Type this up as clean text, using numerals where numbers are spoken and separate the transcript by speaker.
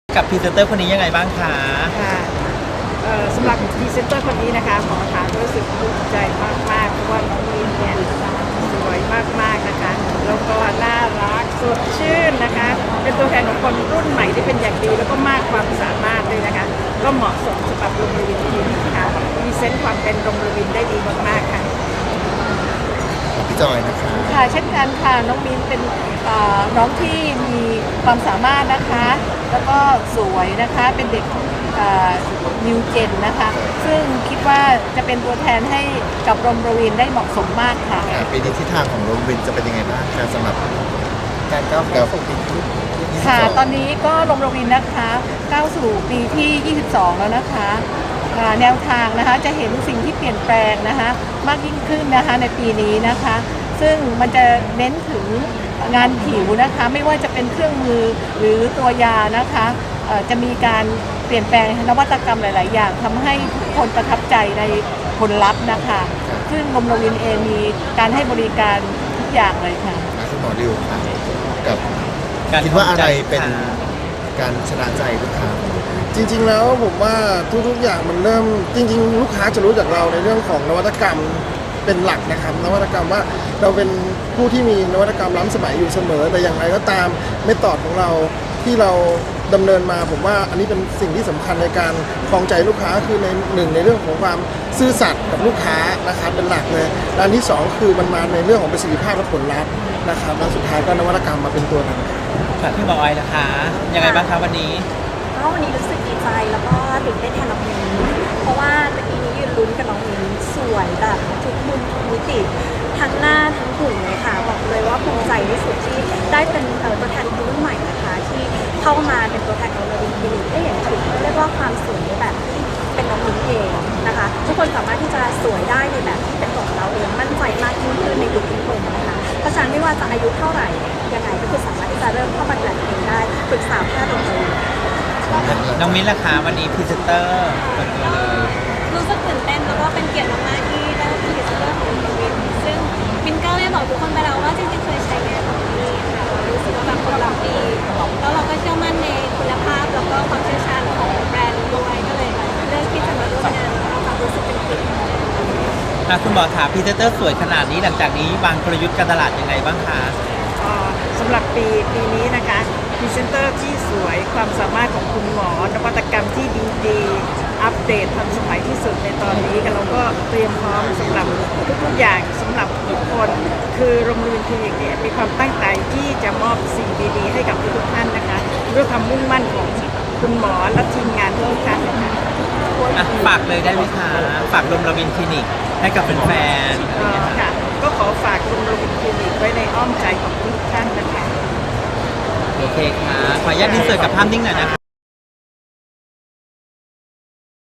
Speaker 1: กับพรีเซนเตอร์คนนี้ยังไงบ้างคะ
Speaker 2: ค่ะสำหรับพรีเซนเตอร์คนนี้นะคะหมอถามรู้สึกภูมิใจมากๆเพราะว่าน้องมินเนี่ยสวยมากๆนะคะแล้วก็น่ารักสดชื่นนะคะเป็นตัวแทนของคนรุ่นใหม่ที่เป็นอย่างดีแล้วก็มากความสามารถเลยนะคะก็เหมาะสมสำหรับโรงเรียนที่นี้ค่ะพรีเซนต์ความเป็นโรงเรียนได้ดีมากๆค่ะ
Speaker 3: พี่จอยนะคะ
Speaker 4: ค่ะเช่นกันค่ะน้องมิ้นเป็นน้องที่มีความสามารถนะคะแล้วก็สวยนะคะเป็นเด็กนิวเจนนะคะซึ่งคิดว่าจะเป็นตัวแทนให้กับโรงเรียนได้เหมาะสมมากค่ะ
Speaker 3: ปีนี้ทิศทางของโรงเรียนจะเป็นยังไงบ้างคะสำหรับการก้าวสู่ปีที่
Speaker 4: ค่ะตอนนี้ก็โรงเรียนนะคะก้าวสู่ปีที่ 22 แล้วนะคะแนวทางนะคะจะเห็นสิ่งที่เปลี่ยนแปลงนะคะมากยิ่งขึ้นนะคะในปีนี้นะคะซึ่งมันจะเน้นถึงงานผิวนะคะไม่ว่าจะเป็นเครื่องมือหรือตัวยานะคะจะมีการเปลี่ยนแปลงนวัตกรรมหลาย ๆ อย่างทำให้ทุกคนประทับใจในผลลัพธ์นะคะซึ่งโรงเรียนเองมีการให้บริการทุกอย่างเลยค่ะ
Speaker 3: คุณหมอดิวค่ะกับคิดว่าอะไรเป็นการชนะใจลูกค้า
Speaker 5: จริงๆแล้วผมว่าทุกๆอย่างมันเริ่มจริงๆลูกค้าจะรู้จักเราในเรื่องของนวัตกรรมเป็นหลักนะครับนวัตกรรมว่าเราเป็นผู้ที่มีนวัตกรรมล้ำสมัยอยู่เสมอแต่อย่างไรก็ตามเมธอดของเราที่เราดำเนินมาผมว่าอันนี้เป็นสิ่งที่สำคัญในการครองใจลูกค้าคือในเรื่องของความซื่อสัตย์กับลูกค้านะครับเป็นหลักเลยและอันที่2คือมันมาในเรื่องของประสิทธิภาพและผลลัพธ์นะครับแล้วสุดท้ายก็นวัตกรรมมาเป็นตัวนำ
Speaker 1: ค่ะพี่บอยนะคะยังไงบ้างคะวันนี้
Speaker 6: ก็วันนี้รู้สึกดีใจแล้วก็ตื่นเต้นแทนน้องมิ้นเพราะว่าตะกี้นี้ยืนลุ้นกับน้องมิ้นสวยแบบทุกมุมทุกมิติทั้งหน้าทั้งหุ่นเลยค่ะบอกเลยว่าภูมิใจที่สุดที่ได้เป็นตัวแทนคนรุ่นใหม่นะคะที่เข้ามาเป็นตัวแทนของโรงเรียนคลินิกได้เห็นถึงเรียกว่าความสวยแบบที่เป็นน้องมิ้นเองนะคะทุกคนสามารถที่จะสวยได้ในแบบที่เป็นของเราเองมั่นใจมากยิ่งขึ้นในทุกคนนะคะเพราะฉะนั้นไม่ว่าจะอายุเท่าไหร่ยังไงก็คือสามารถที่จะเริ่มเข้ามาดูแลตัวเองได้ปรึกษาแพทย์โรงเรียน
Speaker 1: น้องมิ้นล่ะคะวันนี้พรีเซนเตอร์เปิดตัวเลย
Speaker 6: รู้สึกตื่นเต้นแล้วก็เป็นเกียรติมากๆที่ได้เป็นพรีเซนเตอร์ของโรงเรียนซึ่งมินก็ได้บอกทุกคนไปแล้วว่าจริงๆเคยใช้งานของนี่ค่ะรู้สึกว่าแบบคนเราดีแล้วเราก็เชื่อมั่นในคุณภาพแล้วก็ความเชี่ยวชาญของแบรนด์ด้วยก็เลยเลือกที่จะมาร่วมงานแล้วก็รู้สึกเป็นเกียรติ
Speaker 1: คุณหมอถามพรีเซนเตอร์สวยขนาดนี้หลังจากนี้วางกลยุทธ์การตลาดยังไงบ้างคะ
Speaker 2: สำหรับปีนี้นะคะพรีเซนเตอร์ที่สวยความสามารถของคุณหมอนวัตกรรมที่ดีอัปเดตทันสมัยที่สุดในตอนนี้กันเราก็เตรียมพร้อมสำหรับทุกๆอย่างสำหรับทุกคนคือโรงเรียนคลินิกเนี่ยมีความตั้งใจที่จะมอบสิ่งดีๆให้กับทุกท่านนะคะด้วยความมุ่งมั่นของคุณหมอและทีมงานทุกท่านนะคะ
Speaker 1: ฝากเลยได้ไหมคะฝากโรงเรียนคลินิกให้กับแฟน
Speaker 2: ๆค่ะก็ขอฝากโรงเรียนคลินิกไว้ในอ้อมใจของทุกท่านนะคะ
Speaker 1: โอเคค่ะขออนุญาตอินเสิร์ตกับภาพนิ่งหน่อยนะคะ